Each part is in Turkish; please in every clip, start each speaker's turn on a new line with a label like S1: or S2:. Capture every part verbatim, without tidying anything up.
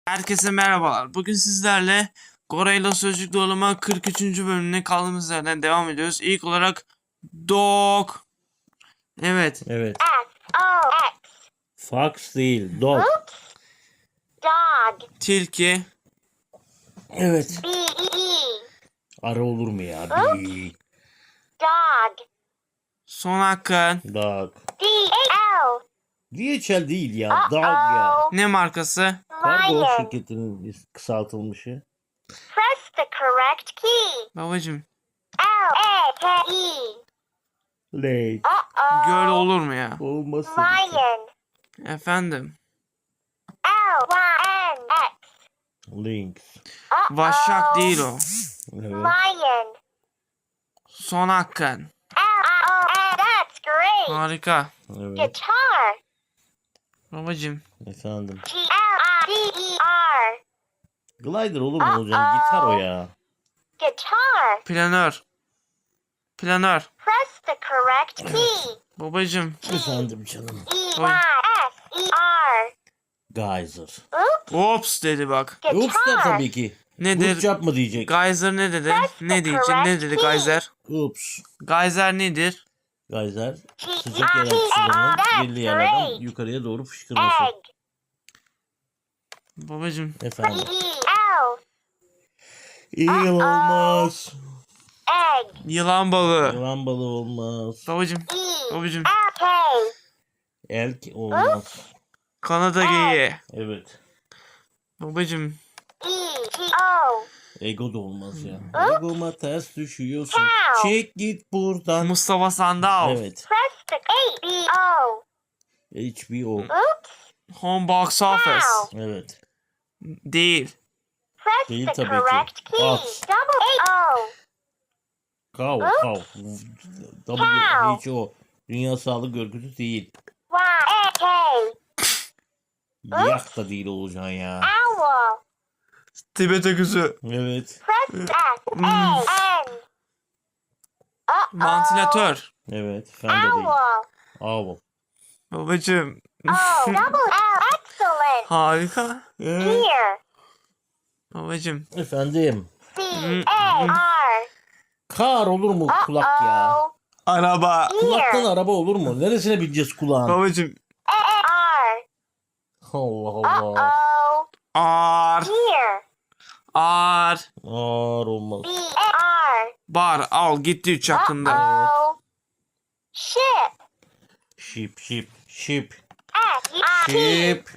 S1: Herkese merhabalar. Bugün sizlerle Gorayla Sözcük Doğrulama kırk üçüncü bölümüne kaldığımız yerden devam ediyoruz. İlk olarak dog. Evet.
S2: Evet.
S3: S O X.
S2: Fox değil. Dog.
S3: Dog.
S1: Tilki.
S2: Evet.
S3: B E E.
S2: Ara olur mu ya? Bir.
S3: Dog.
S1: Son hakkın.
S2: Dog.
S3: D A L.
S2: D H L değil ya. Dog ya.
S3: Uh-oh.
S1: Ne markası?
S2: Kargo
S3: Lion.
S2: şirketinin kısaltılmışı.
S3: Press the correct key.
S1: Babacım.
S3: L A K E.
S2: Late.
S3: Uh-oh.
S1: Göl olur mu ya?
S2: Olmasın.
S3: Lion.
S1: Efendim.
S3: L Y N X.
S2: Lynx.
S3: Uh-oh.
S1: Vaşak değil o.
S2: Evet.
S3: Lion.
S1: Son hakkın.
S3: L I O N. That's great.
S1: Harika.
S2: Evet.
S3: Guitar.
S1: Babacım.
S2: Efendim.
S3: G L I D E R.
S2: Glider olur mu hocam? Gitar o ya.
S3: Guitar.
S1: Planör. Planör.
S3: Press the correct key.
S1: Babacım.
S2: Efendim canım.
S3: E Y S E R.
S2: Geyser.
S3: Oops.
S1: Ops dedi bak.
S2: Oops der
S3: Guitar.
S2: tabii ki.
S1: Nedir?
S2: Oops yapma diyecek.
S1: Geyser ne dedi? Ne diyecek? Ne dedi Geyser?
S2: Oops.
S1: Geyser nedir?
S2: Geyser sıcak yer sularının belli yerlerden yukarıya doğru fışkırması.
S3: Egg.
S1: Babacım.
S3: E
S2: Efendim.
S3: E L.
S2: İyi olmaz.
S3: Egg.
S1: Yılan balığı.
S2: Yılan balığı olmaz.
S1: Babacım.
S3: E
S1: Babacım.
S3: L K.
S2: Elk olmaz.
S1: Kanada geyiği.
S2: Evet.
S1: Babacım.
S3: E G O.
S2: Ego da olmaz ya. Egoma ters düşüyorsun.
S3: Cow.
S2: Çek git buradan.
S1: Mustafa Sandal.
S2: Evet.
S3: Press the H B O.
S2: H B O.
S3: Oops.
S1: Home box office.
S3: Cow.
S2: Evet.
S1: Değil.
S3: Press
S2: Değil
S3: the
S2: tabii ki.
S3: correct key.
S2: At.
S3: Double A O.
S2: Kav. Kav. W H O. Dünya Sağlık Örgütü değil.
S3: Y A K.
S2: Yak da değil olacaksın ya.
S3: Owl.
S1: Tibet öküzü.
S2: Evet.
S3: Press S A N. Uh-oh.
S1: Vantilatör.
S2: Evet. Fen de değil.
S3: Owl.
S2: Owl.
S1: Babacım.
S3: Oh, double L. Excellent.
S1: Harika.
S2: Evet.
S3: Ear.
S1: Babacım.
S2: Efendim.
S3: C A R.
S2: Kar olur mu kulak ya?
S3: Uh-oh.
S1: Araba.
S2: Kulaktan
S3: Ear.
S2: araba olur mu? Neresine bineceğiz kulağın?
S1: Babacım.
S3: A R.
S2: Allah Allah.
S3: Uh-oh.
S1: Ar.
S3: Ear.
S1: Ar.
S2: Ağır olmaz.
S3: B A R.
S1: Bar. Al gitti üç hakkında.
S3: Uh-oh. Ship.
S2: Şip şip şip.
S3: S I P.
S2: Şip.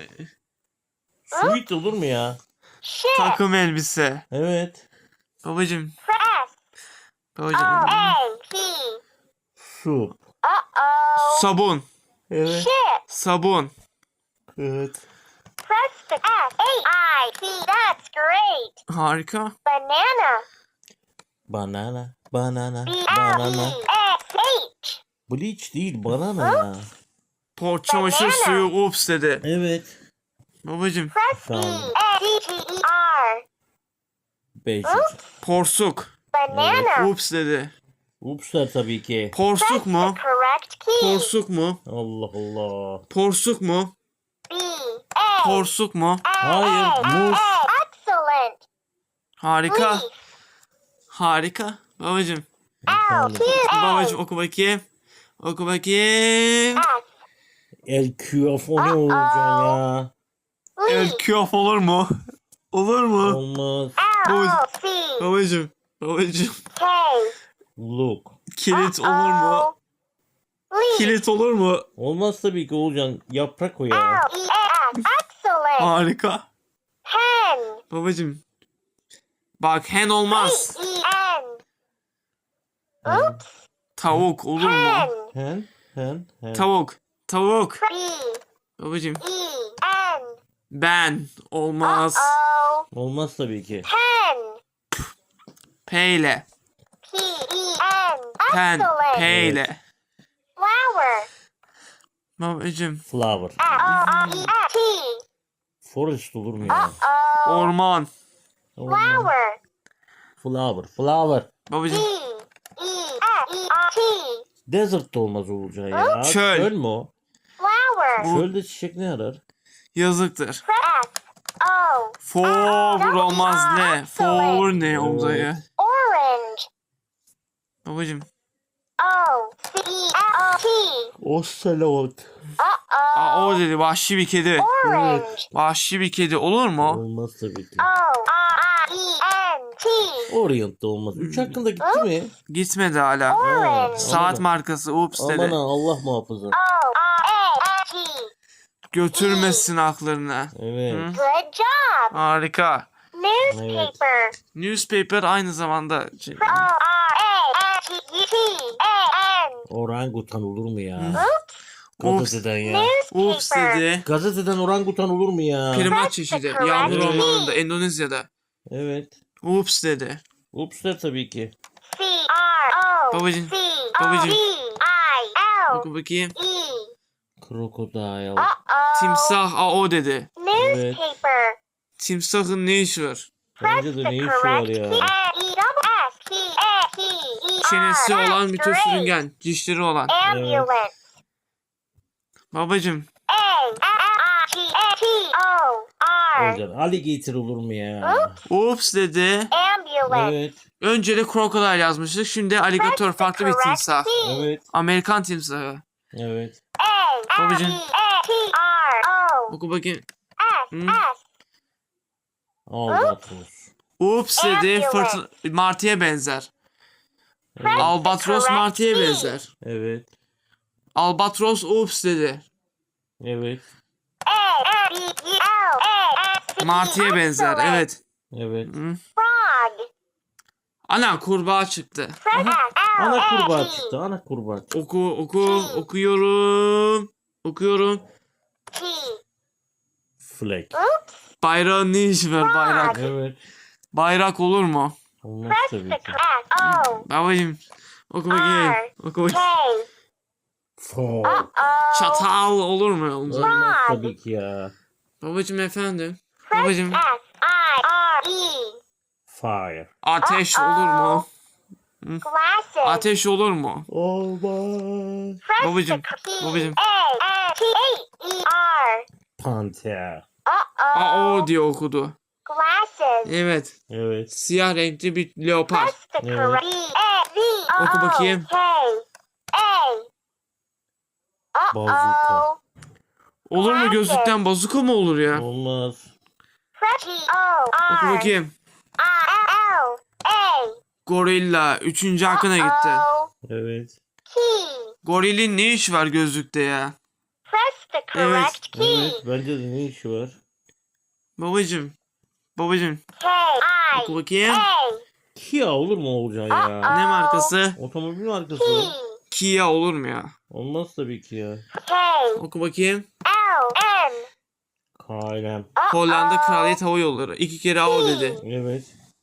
S2: Sweet olur mu ya?
S3: Ship.
S1: Takım elbise.
S2: Evet.
S1: Babacım.
S3: Press. O
S1: Babacım.
S3: A P.
S2: Su.
S3: Uh-oh.
S1: Sabun.
S2: Evet.
S3: Ship.
S1: Sabun.
S2: Evet.
S3: Press the S A I P. That's great.
S1: Harika.
S3: Banana.
S2: Banana. Banana.
S3: B L
S2: Banana.
S3: E S H.
S2: Bleach değil banana ya.
S1: Por çamaşır
S3: Banana.
S1: suyu. Ups dedi.
S2: Evet.
S1: Babacım.
S3: Press B
S2: Efendim.
S3: A T T E R.
S2: Beş.
S1: Porsuk.
S3: Banana.
S1: Ups dedi.
S2: Upslar tabii ki.
S1: Porsuk
S3: The
S1: mu?
S3: correct key.
S1: Porsuk mu?
S2: Allah Allah.
S1: Porsuk mu?
S3: B A
S1: Porsuk mu?
S2: Hayır, muz.
S3: Excellent.
S1: Harika.
S3: Leaf.
S1: Harika. Babacım.
S3: L
S2: Efendim.
S3: Q A.
S1: Babacım oku bakayım. Oku bakayım.
S3: S.
S2: El küaf o ne olacaksın ya?
S1: El
S3: Leaf.
S1: küaf olur mu? Olur mu?
S2: Olmaz.
S3: L C
S1: Babacım. Babacım.
S3: K.
S2: Look.
S1: Kilit olur mu?
S3: Uh-oh. Leaf.
S1: Kilit olur mu?
S2: Olmaz tabii ki olacaksın. Yaprak o ya.
S3: L E S. Excellent.
S1: Harika.
S3: Hen.
S1: Babacım. Bak hen olmaz.
S3: E N. Oops.
S1: Tavuk olur mu?
S3: Hen.
S2: Hen. Hen. Hen.
S1: Tavuk. Tavuk.
S3: B
S1: Babacım.
S3: E N.
S1: Ben. Olmaz.
S3: Uh-oh.
S2: Olmaz tabii ki.
S3: Pen.
S1: P ile.
S3: P E N.
S1: Pen.
S3: Excellent.
S1: P ile.
S3: Flower.
S1: Babacım.
S2: Flower.
S3: F O R E S T.
S2: Forest olur mu ya?
S3: Uh-oh.
S1: Orman.
S2: Olmaz.
S3: Flower.
S2: Flower. Flower.
S3: D
S1: Babacım.
S3: E S E R T.
S2: Desert da olmaz olacaksın ya.
S1: Çöl.
S2: Çöl mü o?
S3: Flower.
S1: Bu-
S2: Çölde çiçek ne arar?
S1: Yazıktır.
S3: Press O O.
S1: Forward olmaz ne? Forward ne olacak ya?
S3: Orange.
S1: Babacım.
S3: O. C. L. T.
S2: Ocelot.
S3: Uh-oh.
S1: Aa, o dedi vahşi bir kedi.
S3: Orange.
S1: Vahşi bir kedi olur mu?
S2: Olmaz tabii ki.
S3: O. R. E. N. T.
S2: Orient de olmaz. üç hakkında gitti mi?
S1: Gitmedi hala.
S3: Orange.
S1: Saat markası ups
S2: Aman
S1: dedi.
S2: ha, Allah muhafaza.
S3: O. R. A. T.
S1: Götürmesin akllarına.
S2: Evet.
S1: Hı?
S3: Good job.
S1: Harika.
S3: Newspaper.
S1: Newspaper aynı zamanda şey-
S3: O. R. A. T. T. A. N.
S2: Orangutan olur mu ya?
S1: Ups.
S2: Gazeteden ya.
S1: Ups
S3: Newspaper.
S1: dedi.
S2: Gazeteden orangutan olur mu ya?
S1: Primat çeşidi. Yağmur
S2: Evet.
S1: ormanında Endonezya'da.
S2: Evet.
S1: Ups dedi.
S2: Ups'ler tabii ki.
S3: C. R. O.
S1: Babacım,
S3: C.
S1: babacım.
S3: O. D. I. L.
S1: Oku bakayım.
S3: E.
S2: Krokodil.
S3: Uh-oh.
S1: Timsah a o dedi.
S3: Newspaper.
S1: Timsahın ne işi var?
S2: Bence de ne işi var ya?
S3: E. S. T. A. T. E.
S1: Çenesi
S3: R.
S1: olan bir tür
S3: Great.
S1: sürüngen. Dişleri olan.
S3: Ambulance.
S1: Babacım.
S3: A. R. T. T. O. R.
S2: Hocam alligator olur mu ya?
S1: Ups dedi.
S3: Ambulance.
S2: Evet.
S1: Önce de krokodil yazmıştık. Şimdi alligator farklı bir timsah.
S2: Evet.
S1: Amerikan timsahı.
S2: Evet.
S3: A. R.
S1: Babacım.
S3: E. T. R. O.
S1: Oku bakayım.
S3: S.
S1: Hı?
S3: S.
S2: Albatros.
S1: Ups dedi.
S3: Ambulance.
S1: Fırtına, martıya benzer.
S2: Evet.
S1: Albatros martıya benzer.
S2: Evet.
S1: Albatros ups dedi.
S2: Evet.
S3: A. R. B. E. L. A. S. T.
S1: Martıya benzer.
S3: Excellent.
S1: Evet.
S2: Evet.
S1: Hı.
S3: Frog.
S1: Ana kurbağa çıktı.
S3: Fred. L.
S2: Ana kurbağa
S3: A. T.
S2: çıktı. Ana kurbağa çıktı.
S1: Oku oku okuyorum. Okuyorum.
S3: T.
S2: Flag.
S1: Bayrağın ne işi var bayrak?
S2: Evet.
S1: Bayrak olur mu?
S2: Olmaz
S3: Press
S2: tabii
S3: the
S2: ki.
S3: correct. O.
S1: Babacım. Oku bakayım.
S3: R.
S1: Oku
S3: K.
S1: bakayım.
S2: Fog.
S3: Uh-oh.
S1: Çatal olur mu? Olacak.
S2: Olmaz tabii ki ya.
S1: Babacım efendim.
S3: Press
S1: Babacım.
S3: S. I. R. E.
S2: Fire.
S1: Ateş olur mu?
S3: Glasses.
S1: Ateş olur mu?
S2: Olmaz.
S3: Press
S1: Babacım,
S3: the key.
S1: babacım.
S3: A. T. A. E. R.
S2: Panther.
S3: Uh-oh.
S1: A o diye okudu.
S3: Glasses.
S1: Evet.
S2: Evet.
S1: Siyah renkli bir leopar.
S3: Press the
S2: Evet.
S3: correct. B. A. V.
S1: Oku bakayım.
S3: K. A. Uh-oh.
S1: Olur mu gözlükten bazuka mı olur ya?
S2: Olmaz.
S3: Press G. O.
S1: Oku
S3: R.
S1: bakayım.
S3: I. L. A.
S1: Gorilla. Üçüncü hakkına gitti.
S3: Uh-oh.
S2: Evet.
S3: Key.
S1: Gorilin ne işi var gözlükte ya?
S3: Press the correct key.
S2: Evet. Bence de ne işi var?
S1: Babacım. Babacım.
S3: K. I.
S1: Oku bakayım.
S3: A.
S2: Kia olur mu olacağı ya?
S1: Ne markası?
S2: Otomobil markası.
S3: Key.
S1: Kia olur mu ya?
S2: Olmaz tabii ki ya.
S3: K.
S1: Oku bakayım.
S3: L. N.
S2: K L M.
S1: Hollanda
S3: Uh-oh.
S1: Kraliyet Hava Yolları. İki kere A o dedi.
S2: Evet.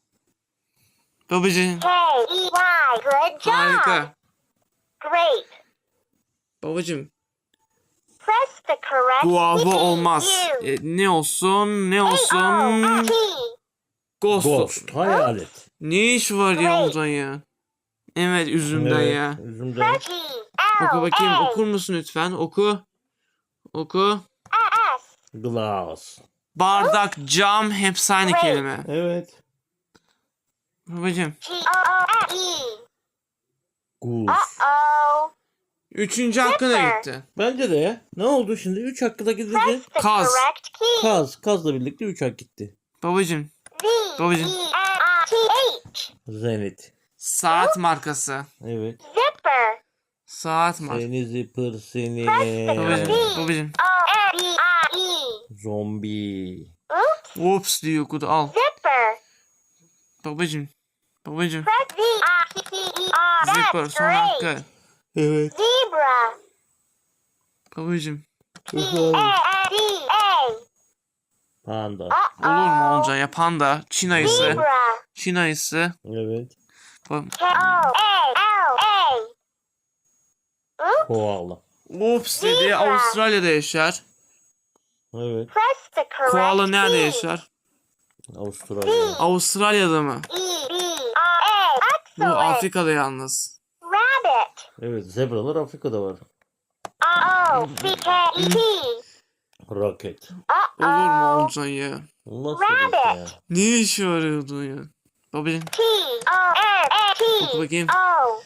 S1: Babacım.
S3: K. E. Y. Good job.
S1: Harika.
S3: Great.
S1: Babacım.
S3: Press the correct
S1: Guava
S3: key.
S1: olmaz.
S3: U.
S1: E, ne olsun? Ne
S3: A. O.
S1: olsun?
S3: T.
S1: Ghost.
S2: Ghost. Hayalet.
S1: Ne iş var ya ondan ya? Evet üzümden
S2: Evet.
S1: ya.
S2: Üzümden.
S3: Press G. L.
S1: Oku bakayım.
S3: A.
S1: Okur musun lütfen? Oku. Oku.
S3: S.
S2: Glass.
S1: Bardak, cam hepsi aynı
S3: Wait.
S1: kelime.
S2: Evet.
S1: Babacım.
S3: G. O. O. E.
S2: Goose.
S3: Uh-oh.
S1: Üçüncü hakkına
S3: Zipper.
S1: gitti.
S2: Bence de ya. Ne oldu şimdi? üç hakkı da gidince.
S3: Press the
S1: Kaz.
S3: correct key.
S2: Kaz. Kazla birlikte üç hak gitti.
S1: Babacım.
S3: V.
S1: Babacım.
S3: E. N. T. H.
S2: Zenit.
S1: Saat markası.
S2: Evet.
S3: Zipper.
S1: Saat markası.
S2: Seni zıpır seni.
S1: Babacım. Babacım.
S3: O. N. B. I. E.
S2: Zombi.
S3: Oops.
S1: Whoops diye okudu. Al.
S3: Zipper.
S1: Babacım. Babacım.
S3: Press V. I. T. E. R.
S1: Zipper
S3: That's
S1: son
S3: great.
S1: hakkı.
S2: Evet.
S3: Zebra.
S1: Babacım.
S3: T. A. D. A.
S2: Panda.
S1: Olur mu
S3: Uh-oh.
S1: onca yapan da Çin ayısı.
S3: Zebra.
S1: Çin ayısı.
S2: Evet.
S1: Ba-
S3: K. O. A. L. A. Oops.
S2: Koala.
S1: Whoops dedi.
S3: Zebra.
S1: Avustralya'da yaşar.
S2: Evet.
S3: Press the correct
S1: Koala nerede
S3: key.
S1: yaşar?
S2: Avustralya.
S1: Avustralya'da mı?
S3: E. B. R. A.
S1: Bu
S3: Excellent.
S1: Afrika'da yalnız.
S3: Rabbit.
S2: Evet. Zebralar Afrika'da var.
S3: O. C. K. E. T.
S2: Roket.
S1: Olur mu
S3: Uh-oh.
S1: onca ya?
S2: Nasıl bir şey ya?
S3: Rabbit.
S1: Ne işi var orada ya? Babacım
S3: T O N A
S1: oku
S3: T
S1: bakayım.
S3: O.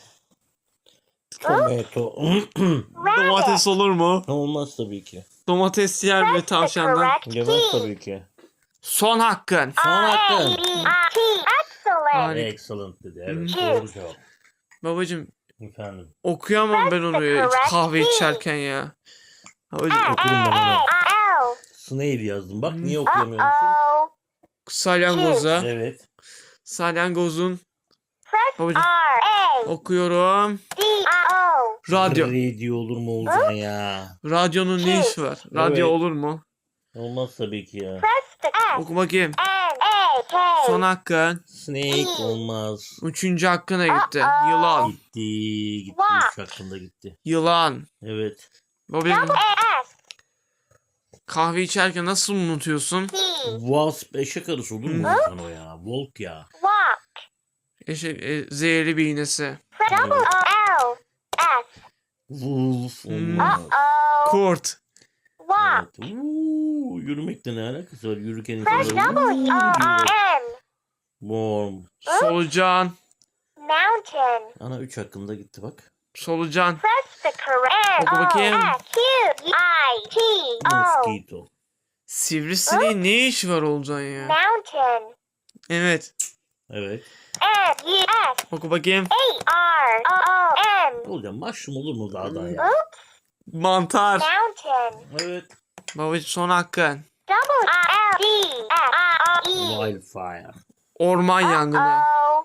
S2: Tomato.
S1: Domates olur mu?
S2: Olmaz tabii ki.
S1: Domates yer mi
S3: Press the
S1: tavşandan?
S3: correct
S2: Yemez
S3: key.
S2: tabii ki.
S1: Son hakkın.
S2: Son hakkın.
S3: R A B I T. Excellent.
S1: Harika.
S2: Excellent dedi. Evet,
S3: Hı.
S2: doğru cevap.
S1: Babacım
S2: Efendim.
S1: okuyamam ben onu ya, kahve içerken ya. Babacım
S2: Okurum ben onu.
S3: L.
S2: Snail yazdım. Bak niye
S3: Uh
S2: okuyamıyormuşum?
S3: oh.
S1: salyangoza.
S2: Evet.
S1: Salyangozun.
S3: Press
S1: Babacım
S3: R A
S1: okuyorum.
S3: D I O.
S1: Radyo.
S2: Radio olur mu Oğuzhan ya?
S1: Radyonun ne işi var? Radyo
S2: Evet.
S1: olur mu?
S2: Olmaz tabii ki ya.
S3: Press the S
S1: Oku bakayım.
S3: N A K.
S1: Son hakkın.
S2: Snake olmaz.
S1: Üçüncü hakkına gitti. Yılan.
S2: Gitti. Gitti.
S3: What?
S2: Üç hakkında gitti.
S1: Yılan.
S2: Evet.
S1: Babacım
S3: Double A S
S1: kahve içerken nasıl unutuyorsun?
S3: T.
S2: Wasp eşek arısı olur mu Oğuzhan o ya? Volk ya.
S3: Walk.
S1: Eşek, e, zehirli bir iğnesi.
S3: Press double O L S.
S2: Wolf
S1: Hmm.
S2: olmaz.
S3: Uh oh.
S1: Kurt.
S3: Walk.
S2: Evet. Uuu, yürümekle ne alakası var? Yürürken
S3: Press
S2: insanlar
S3: W
S2: uuu
S3: O
S2: diyorlar.
S3: R M.
S2: Warm.
S1: Solucan.
S3: Mountain.
S2: Ana üç hakkında gitti bak.
S1: Solucan.
S3: Press the correct
S1: Oku bakayım.
S3: O S Q I T O.
S2: Mosquito.
S1: Sivrisineğin ne işi var Olcan ya?
S3: Mountain.
S1: Evet.
S2: Evet.
S3: M U S
S1: Oku bakayım.
S3: A R O O M.
S2: Hocam mushroom olur mu dağdan ya?
S1: Mantar.
S3: Mountain.
S2: Evet.
S1: Babacım son hakkın.
S3: Double I L D F I O E.
S2: Wildfire.
S1: Orman yangını.
S3: Oh.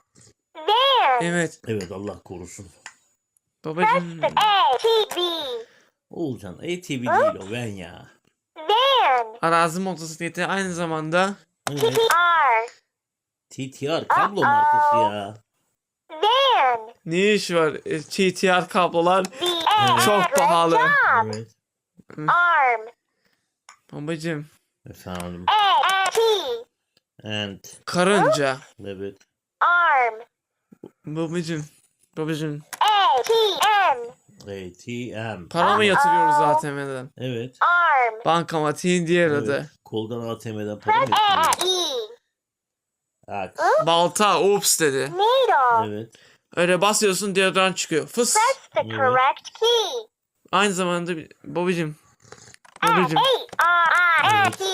S3: Van.
S1: Evet.
S2: Evet Allah korusun.
S1: Babacım
S3: The A T V.
S2: Oğulcan A T V değil o ben ya.
S3: Van.
S1: arazi motosikleti aynı zamanda
S3: T
S2: Evet.
S3: T R.
S2: T T R kablo markası ya.
S3: Van.
S1: ne işi var? E, T T R kablolar
S3: V A.
S1: çok pahalı.
S2: Evet.
S3: Arm.
S1: Babacım
S2: Efendim.
S3: A T.
S2: And.
S1: karınca.
S2: Evet.
S3: Arm.
S1: Babacım. Babacım
S3: A T M.
S2: A T M.
S1: para mı yatırıyoruz A T M'den?
S2: Evet.
S3: Arm.
S1: Bankamatiğin diğer
S2: Evet.
S1: adı.
S2: Koldan A T M'den para mı
S3: Press A
S2: yapıyorsun?
S3: E.
S2: Aks.
S1: Balta. Ups dedi.
S3: Needle.
S2: Evet.
S1: Öyle basıyorsun deodorant çıkıyor. Fıs.
S3: Press the
S2: Evet.
S3: correct key.
S1: Aynı zamanda bir- babacım.
S3: S
S1: Babacım.
S3: H R I N T.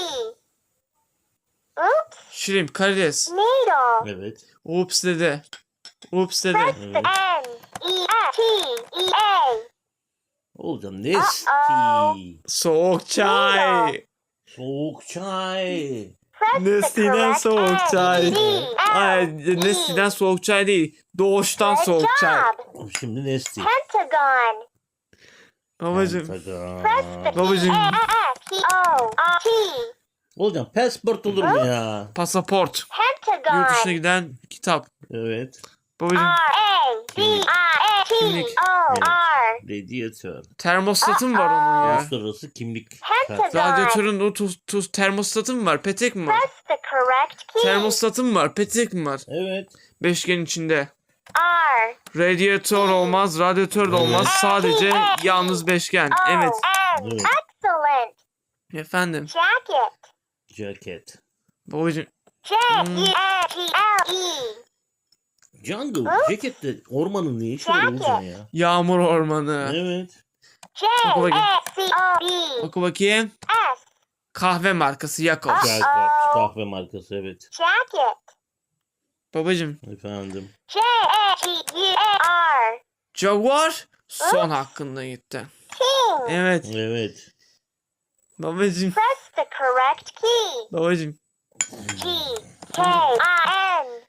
S3: Oops.
S1: Shrimp. Karides.
S3: Needle.
S2: Evet.
S1: Ups dedi. Ups dedi.
S3: Press the
S2: Evet.
S3: N E S T E A.
S2: Oğulcan Nesti.
S3: Uh-oh.
S1: Soğuk çay.
S2: Soğuk çay.
S3: Press the
S1: Nestiden
S3: correct
S1: soğuk
S3: N
S1: çay.
S3: E L
S1: Ay,
S3: E.
S1: Nestiden soğuk çay değil. Doğuştan
S3: Good
S1: soğuk çay.
S3: job.
S2: Şimdi Nesti.
S3: Pentagon.
S1: Babacım.
S3: Press the
S1: Babacım.
S3: P S P O R T.
S2: Oğulcan passport olur mu ya?
S1: Pasaport. Yurt dışına
S3: Pentagon.
S1: giden kitap.
S2: Evet.
S1: Babacım.
S3: R A B I N T O R.
S2: Radyatör.
S1: Termostatı mı var onun ya?
S2: Uluslararası kimlik.
S3: Pentagon.
S1: Radyatörün o tuz, tuz termostatı mı var? Petek mi var?
S3: Press the correct key.
S1: Termostatı mı var? Petek mi var?
S2: Evet.
S1: Beşgen içinde.
S3: R.
S1: Radyatör olmaz, radyatör de olmaz. Sadece yalnız beşgen.
S3: O
S1: Evet.
S3: N.
S2: Evet.
S3: Excellent.
S1: Efendim.
S3: Jacket.
S2: Ceket.
S1: Babacım.
S3: J U N G L E.
S2: Jungle. Ceket de ormanın ne işi var
S3: Jacket.
S2: Oğulcan ya?
S1: Yağmur ormanı.
S2: Evet.
S3: J
S1: Oku bakayım.
S3: S C O B.
S1: Oku bakayım.
S3: S.
S1: Kahve markası Yakos.
S2: Jacobs kahve markası evet.
S3: Jacket.
S1: Babacım.
S2: Efendim.
S3: J A G U A R.
S1: Jaguar son hakkında gitti.
S3: King.
S1: Evet.
S2: Evet.
S1: Babacım.
S3: Press the correct key.
S1: Babacım.
S3: G K I N.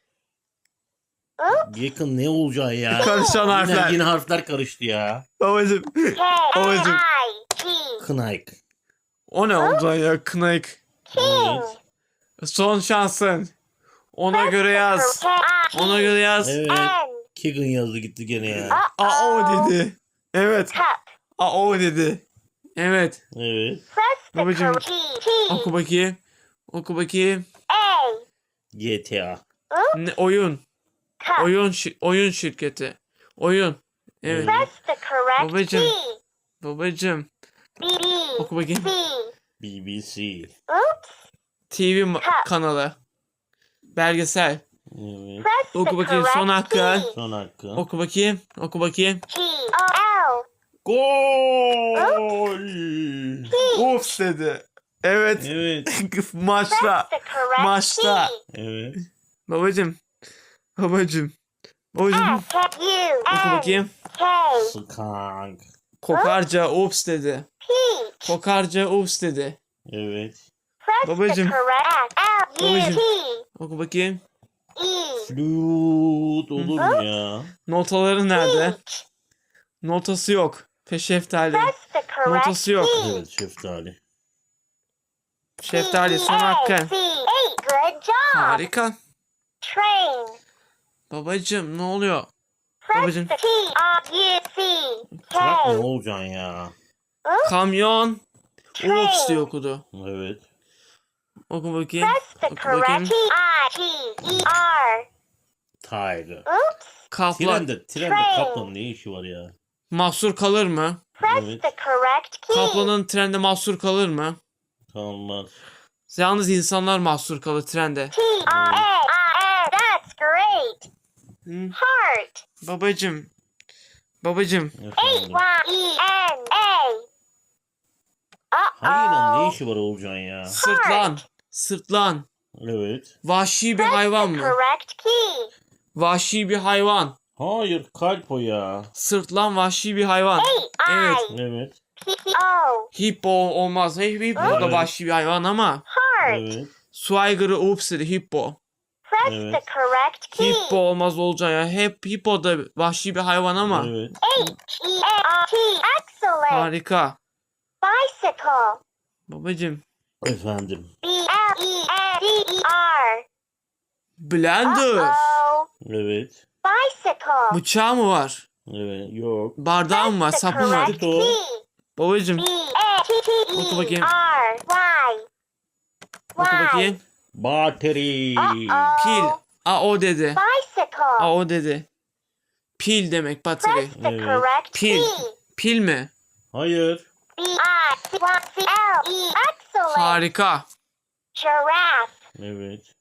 S2: Yakın ne olacağı ya?
S1: Karışan
S2: Yine,
S1: harfler.
S2: yine harfler karıştı ya.
S1: Babacım.
S3: K A
S1: Babacım.
S3: I G.
S2: Kınayk.
S1: O ne oldu ya? Kınayık.
S3: King.
S1: Son şansın. Ona göre yaz.
S3: K I
S1: Ona
S3: G
S1: göre yaz.
S2: Evet.
S3: N.
S2: Keegan yazdı gitti gene ya.
S1: A o
S3: Uh-oh.
S1: dedi. Evet.
S3: Cup.
S1: A o dedi. Evet.
S2: Evet.
S3: Press the
S1: Babacım.
S3: correct key.
S1: Oku bakayım. Oku bakayım.
S3: A.
S2: G T A.
S1: Ne, oyun.
S3: Cup.
S1: Oyun şi- oyun şirketi. Oyun. Evet.
S3: Press the correct
S1: Babacım.
S3: key.
S1: Babacım.
S3: B B.
S1: Oku bakayım.
S3: C.
S2: B B C.
S3: Oops.
S1: T V ma- kanalı. Belgesel.
S2: Evet.
S3: Press the
S1: Oku bakayım son
S3: correct
S1: hakkı.
S3: key.
S2: Son hakkı.
S1: Oku bakayım. Oku bakayım.
S3: G O L.
S2: Gol.
S1: Ups dedi. Evet.
S2: Evet.
S1: Maçta.
S3: Press the correct
S1: Maçta.
S3: key.
S2: Evet.
S1: Babacım. Babacım. Babacım.
S3: S K U
S1: Oku
S3: N
S1: bakayım.
S3: K
S2: Skank.
S1: Kokarca ups dedi.
S3: Peach.
S1: Kokarca ups dedi.
S2: Evet.
S3: Press
S1: Babacım.
S3: the correct L U
S1: Babacım.
S3: T
S1: Oku bakayım.
S3: E.
S2: Flüt olur mu ya?
S1: Notaları nerede?
S3: Peach.
S1: Notası yok. Peşeftali.
S3: Press the correct
S1: Notası yok.
S3: key.
S2: Evet şeftali.
S1: Şeftali son
S3: P E A
S1: hakkı.
S3: C H. Good job.
S1: Harika.
S3: Train.
S1: Babacım ne oluyor?
S3: Press
S1: Babacım.
S3: the T R U C
S2: Trak ne
S3: K.
S2: olacaksın ya?
S1: Kamyon.
S3: Train.
S1: Ups diye okudu.
S2: Evet.
S1: Oku bakayım.
S3: Press the
S1: Oku bakayım.
S3: correct T I G E R.
S2: Tiger.
S3: Oops.
S1: Kaplan.
S2: Trende, trende
S3: Train.
S2: kaplanın ne işi var ya?
S1: Mahsur kalır mı?
S3: Press
S2: Evet.
S3: the correct key.
S1: Kaplanın trende mahsur kalır mı?
S2: Kalmaz.
S1: Yalnız insanlar mahsur kalır trende.
S3: T R A I N. That's great.
S1: Hı?
S3: Heart.
S1: Babacım. Babacım.
S3: H
S2: Efendim.
S3: Y E N A.
S2: Hayır ne
S3: Uh-oh.
S2: işi var olacaksın ya?
S1: Sırtlan. Sırtlan.
S2: Evet.
S1: Vahşi bir
S3: Press
S1: hayvan
S3: the
S1: mı?
S3: correct key.
S1: Vahşi bir hayvan.
S2: Hayır kalp o ya.
S1: Sırtlan vahşi bir hayvan.
S3: H
S1: Evet.
S3: I
S2: Evet.
S3: P O.
S1: Hippo olmaz. Hey, Hippo da
S2: Evet.
S1: vahşi bir hayvan ama.
S3: Heart.
S2: Evet.
S1: Su aygırı ups dedi hippo.
S3: Press
S2: Evet.
S3: the correct key.
S1: Hippo olmaz olacak ya. Hep hippo da vahşi bir hayvan ama.
S2: Evet.
S3: H E A R T. Excellent.
S1: Harika.
S3: Bicycle.
S1: Babacım.
S2: Efendim.
S3: B L E N D E R.
S1: Blender.
S3: Uh-oh.
S2: Evet.
S3: Bicycle.
S1: Bıçağı mı var?
S2: Evet. Yok.
S1: Bardağı mı var?
S3: Press the
S1: Sapı mı var?
S3: correct
S2: o.
S3: key.
S1: Babacım.
S3: B A T T
S1: Oku
S3: E
S1: bakayım.
S3: R Y.
S1: Oku
S3: Y.
S1: bakayım.
S2: Bateri.
S3: Uh-oh.
S1: Pil. A o dedi.
S3: Bicycle.
S1: A o dedi. Pil demek bateri.
S3: Press the
S2: Evet.
S3: correct
S1: Pil.
S3: key.
S1: Pil mi?
S2: Hayır.
S3: B I C Y C L E. Excellent.
S1: Harika.
S3: Giraffe.
S2: Evet.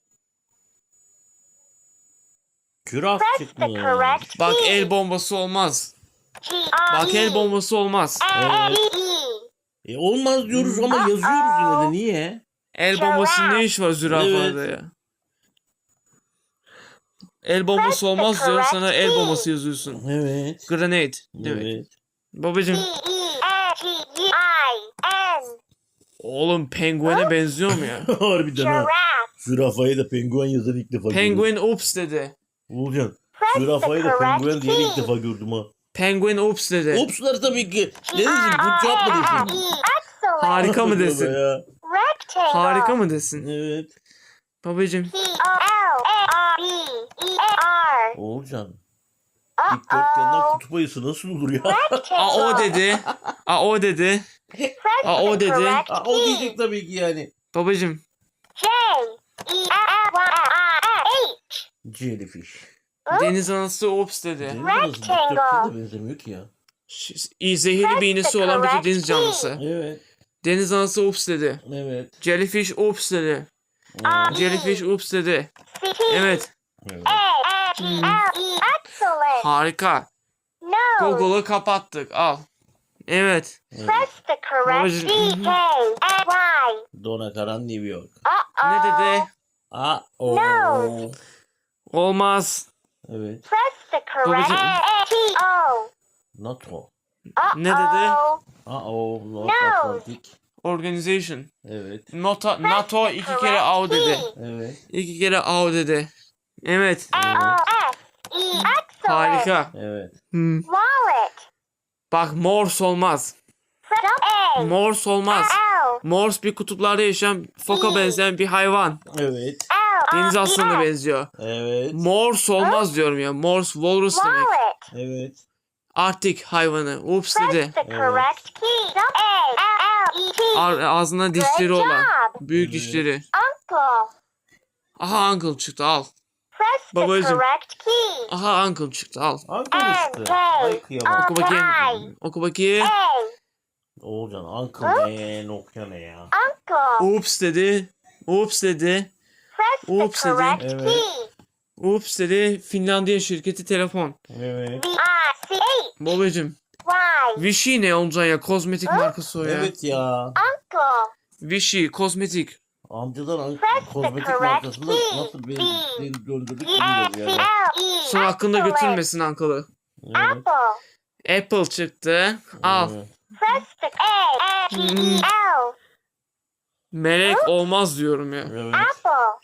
S2: Küraf
S3: Press the
S2: çıkmış.
S3: correct
S1: Bak
S3: key.
S1: el bombası olmaz.
S3: G R
S1: Bak el
S3: E
S1: bombası olmaz.
S3: N E E.
S2: E olmaz diyoruz ama yazıyoruz yine de. Niye?
S1: El bombası ne iş var zürafada ya? El bombası olmaz diyor sana el bombası yazıyorsun.
S2: Evet.
S1: Grenade demek.
S2: Evet.
S1: Babacım
S3: P E N G U I N.
S1: oğlum penguene benziyor mu ya?
S2: Harbiden ha.
S3: Giraffe.
S2: Zürafayı da penguen yazan ilk defa gördüm.
S1: Penguin ups dedi.
S2: Olcan.
S3: Press the
S2: Zürafayı da penguen
S3: correct
S2: diye ilk
S3: key.
S2: defa gördüm ha.
S1: Penguin ups dedi.
S2: Opslar tabii ki. Ne
S3: G
S2: desin?
S3: R
S2: Bu cevap mı
S3: A
S2: desin?
S3: F E. Excellent.
S1: Harika mı
S2: Tövbe
S1: desin?
S2: ya.
S3: Rectangle.
S1: Harika mı desin?
S2: Evet.
S1: Babacım
S3: P O L A R B E A R.
S2: Olcan. Dikdörtgenden
S3: Uh-oh.
S2: kutup ayısı nasıl olur ya?
S1: a o
S3: Rectangle.
S1: dedi. A o dedi.
S3: Press
S1: Aa, o
S3: the
S1: dedi.
S3: correct
S2: Aa, o
S3: key.
S2: diyecek tabii ki yani.
S1: Babacım
S3: J E L L Y H.
S2: Jellyfish.
S1: deniz anası ups dedi.
S2: Deniz anası dikdörtgene de benzemiyor ki ya.
S1: Ş- iyi, Zehirli bir iğnesi olan bir deniz canlısı.
S2: Evet.
S1: Deniz anası ups dedi.
S2: Evet.
S1: Jellyfish ups dedi.
S2: Evet.
S1: Jellyfish ups dedi.
S3: C T
S1: Evet.
S2: Evet.
S3: A N G L E. Excellent.
S1: Harika.
S3: Nose.
S1: Google'ı kapattık. Al. Evet.
S2: Evet.
S3: Press the correct
S1: Babacım.
S3: D K N Y.
S2: Dona Karan New York.
S3: Uh-oh.
S1: Ne dedi?
S2: Aa, o.
S3: No.
S1: Olmaz.
S2: Evet.
S3: Press the correct
S1: Babacım.
S3: T O.
S2: NATO.
S3: Uh-oh.
S1: Ne dedi?
S2: Aa, o. North
S3: No.
S2: Atlantic.
S1: Organization.
S2: Evet.
S1: NATO, NATO iki kere A dedi.
S2: Evet.
S1: İki kere A dedi. Evet.
S3: L O S E. Excellent.
S1: Harika.
S2: Evet.
S1: Hmm.
S3: Wallet.
S1: Bak Morse olmaz.
S3: Press A.
S1: Morse olmaz.
S3: L.
S1: Morse bir kutuplarda yaşayan foka benzeyen bir hayvan.
S2: Evet.
S3: L.
S1: Deniz
S3: O
S1: aslanına
S3: E S.
S1: benziyor.
S2: Evet.
S1: Morse olmaz diyorum ya. Morse walrus demek.
S3: Wallet.
S2: Evet.
S1: Arktik hayvanı. Ups
S3: Press
S1: dedi.
S3: the correct key. A L L E T.
S1: Ar- ağzında dişleri
S3: Good
S1: olan.
S3: job.
S1: Büyük
S2: Evet.
S1: dişleri.
S3: Uncle.
S1: Aha uncle çıktı al.
S3: Press the
S1: Babacım.
S3: correct key.
S1: Aha uncle çıktı al.
S2: Uncle işte. Ay kıyamam.
S1: Oku bakayım. Oku bakayım.
S3: A.
S2: Oğulcan Uncle ne? Nokta ne ya?
S3: Uncle.
S1: Ups dedi. Oops dedi.
S3: Press the
S1: Oops dedi.
S3: correct
S2: Evet.
S3: key.
S1: Oops dedi. Finlandiya şirketi telefon.
S2: Evet.
S3: V I C H
S1: Babacım.
S3: Y.
S1: Vichy ne olacak ya? Kozmetik markası o ya.
S2: Evet ya.
S3: Uncle.
S1: Vichy kozmetik.
S2: Amcadan an-
S3: Press the
S2: kozmetik
S3: correct
S2: markasında
S3: key.
S2: nasıl beni,
S3: B.
S2: beni döndürdük
S3: E
S2: bilmiyorum
S3: F C
S2: yani.
S3: L E.
S1: Son hakkında
S3: Excellent.
S1: götürmesin Ankalı.
S2: Evet.
S3: Apple.
S1: Apple çıktı. Al.
S2: Evet.
S3: Press the A P E L.
S1: Melek olmaz diyorum ya.
S2: Evet.
S3: Apple.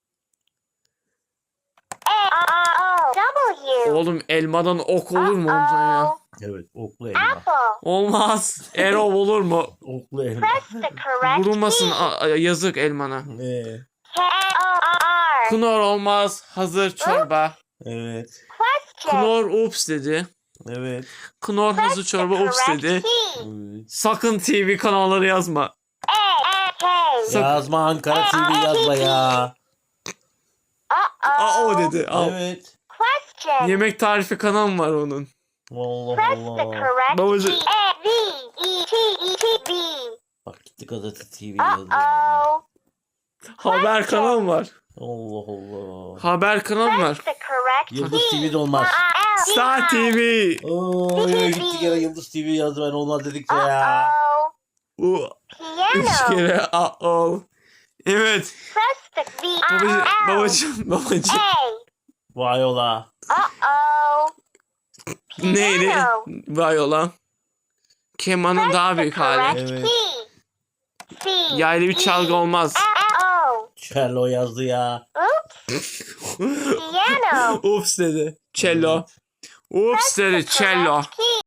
S3: A R O W.
S1: Oğlum elmadan ok olur mu ondan ya?
S3: Uh-oh.
S2: Evet. Oklu elma.
S3: Apple.
S1: Olmaz. Erol olur mu?
S2: Oklu elma.
S3: Press the correct
S1: Vurulmasın
S3: key.
S1: a- a- yazık elmana.
S2: Ee,
S3: K O R.
S1: Knor olmaz. Hazır çorba.
S2: evet.
S3: Question.
S1: Knor ups dedi.
S2: Evet.
S1: Knor hazır
S3: Press the
S1: çorba ups
S3: correct
S1: dedi.
S3: key.
S2: Evet.
S1: Sakın T V kanalları yazma.
S3: A N K.
S1: Sak-
S2: Yazma Ankara T V yazma ya.
S3: Uh-oh.
S1: Aa o dedi. Al.
S2: Evet.
S3: Question.
S1: Yemek tarifi kanalı var onun.
S2: Allah
S3: Press the
S2: Allah.
S3: correct
S1: Babacı-
S3: key. A V E T E T B.
S2: Bak gitti gazete T V yazdı.
S3: Uh-oh.
S1: Haber kanalı var.
S2: Allah Allah.
S1: Haber kanalı
S3: Press
S1: var.
S3: the correct
S2: Yıldız
S3: key.
S2: T V de olmaz.
S1: Star T V.
S2: Oy gitti gene Yıldız T V yazdı ben olmaz dedikçe ya.
S3: Uh-oh.
S1: U üç
S3: Piano.
S1: kere a Evet.
S3: Press the V
S1: Babacım,
S3: R L.
S1: babacım, babacım.
S3: A.
S2: Vay ola.
S3: Uh-oh.
S1: Neydi?
S3: Piano.
S1: Viola. Kemanın
S3: Press
S1: daha
S3: the
S1: büyük hali.
S3: correct
S2: Evet.
S3: key. C.
S1: Yaylı bir çalgı olmaz.
S3: O.
S2: Cello yazdı ya.
S3: Oops. Piano.
S1: Ups dedi. Cello. Ups dedi. Cello.
S3: Correct key.